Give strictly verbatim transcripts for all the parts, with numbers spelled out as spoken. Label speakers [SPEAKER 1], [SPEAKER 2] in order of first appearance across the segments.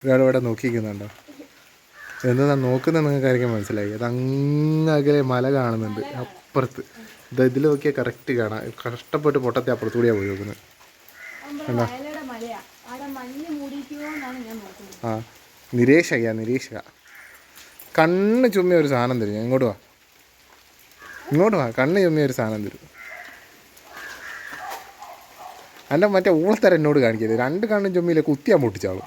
[SPEAKER 1] ഒരാളിവിടെ നോക്കിക്കുന്നുണ്ടോ? എന്താ നോക്കുന്നത് നിങ്ങൾക്കായിരിക്കും മനസ്സിലായി. അത് അങ്ങകലെ മല കാണുന്നുണ്ട് അപ്പുറത്ത്. ഇത് ഇതിൽ നോക്കിയാൽ കറക്റ്റ് കാണാം. കഷ്ടപ്പെട്ട് പൊട്ടത്തെ അപ്പുറത്തുകൂടിയാണ് പോയി നോക്കുന്നത്. കണ്ടോ? ആ നിരീക്ഷക നിരീക്ഷക കണ്ണ് ചുമ്മിയ ഒരു സാധനം തരും. ഇങ്ങോട്ട് വാ ഇങ്ങോട്ട് വാ കണ്ണ് ചുമ്മിയ ഒരു സാധനം തരും. എൻ്റെ മറ്റേ ഊളത്തരം എന്നോട് കാണിക്കരുത്. രണ്ട് കണ്ണും ചുമ്മിയില്ലേ കുത്തിയാൻ പൊട്ടിച്ചാളും.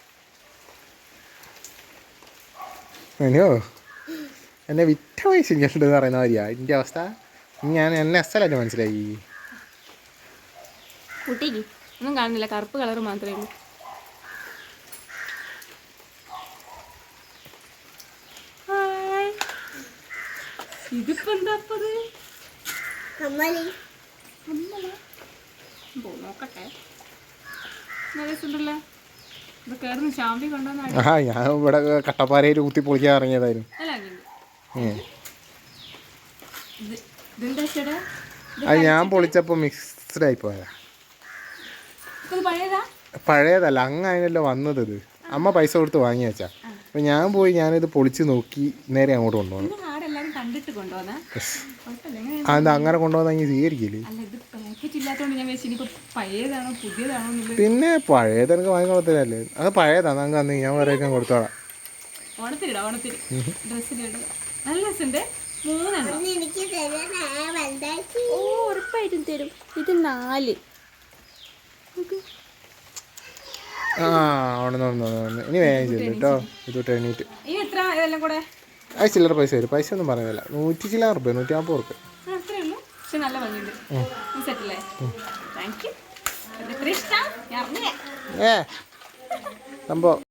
[SPEAKER 1] അയ്യോ എന്നെ വിറ്റ പൈസ ഇങ്ങോട്ടെന്ന് പറയുന്ന മാതിരിയാ എൻ്റെ അവസ്ഥ. ഞാൻ എന്നെ അസലായിട്ട് മനസ്സിലായി.
[SPEAKER 2] കുട്ടിക്ക് ഒന്നും കാണുന്നില്ല, കറുപ്പ് കളർ മാത്രമേ ഉള്ളൂ. ഇതിപ്പോ എന്താ നോക്കട്ടെ.
[SPEAKER 1] ആ ഞാൻ ഇവിടെ കട്ടപ്പാറയിൽ കുത്തി പൊളിക്കാൻ ഇറങ്ങിയതായിരുന്നു. അത് ഞാൻ പൊളിച്ചപ്പോ മിക്സ്ഡ് ആയി പോയതാ. പഴയതല്ല, അങ്ങ് അതിനല്ലോ വന്നത്. ഇത് അമ്മ പൈസ കൊടുത്ത് വാങ്ങി വെച്ചാ. അപ്പൊ ഞാൻ പോയി ഞാനിത് പൊളിച്ച് നോക്കി നേരെ അങ്ങോട്ട് കൊണ്ടുപോകണം. അതെന്താ അങ്ങനെ കൊണ്ടുപോകുന്ന സ്വീകരിക്കില്ലേ? പിന്നെ പഴയത് എനിക്ക് വാങ്ങിക്കൊള്ളത്തില്ലല്ലേ. അത് പഴയതാണ്. നമുക്ക് അന്ന് ഞാൻ വേറെ കൊടുത്തോളാം.
[SPEAKER 2] ഉറപ്പായിട്ടും തരും. ഇത് നാല്.
[SPEAKER 1] ആ അവിടെ ഇനി വേഗം ചെല്ലും കേട്ടോ. ഇതൊട്ട് എണീറ്റ് അത് ചില്ലറ പൈസ വരും. പൈസ ഒന്നും പറയുന്നില്ല. നൂറ്റി ചില്ലറ റുപ്യ നൂറ്റി അമ്പത് റുപ്യ. ഏ സംഭവം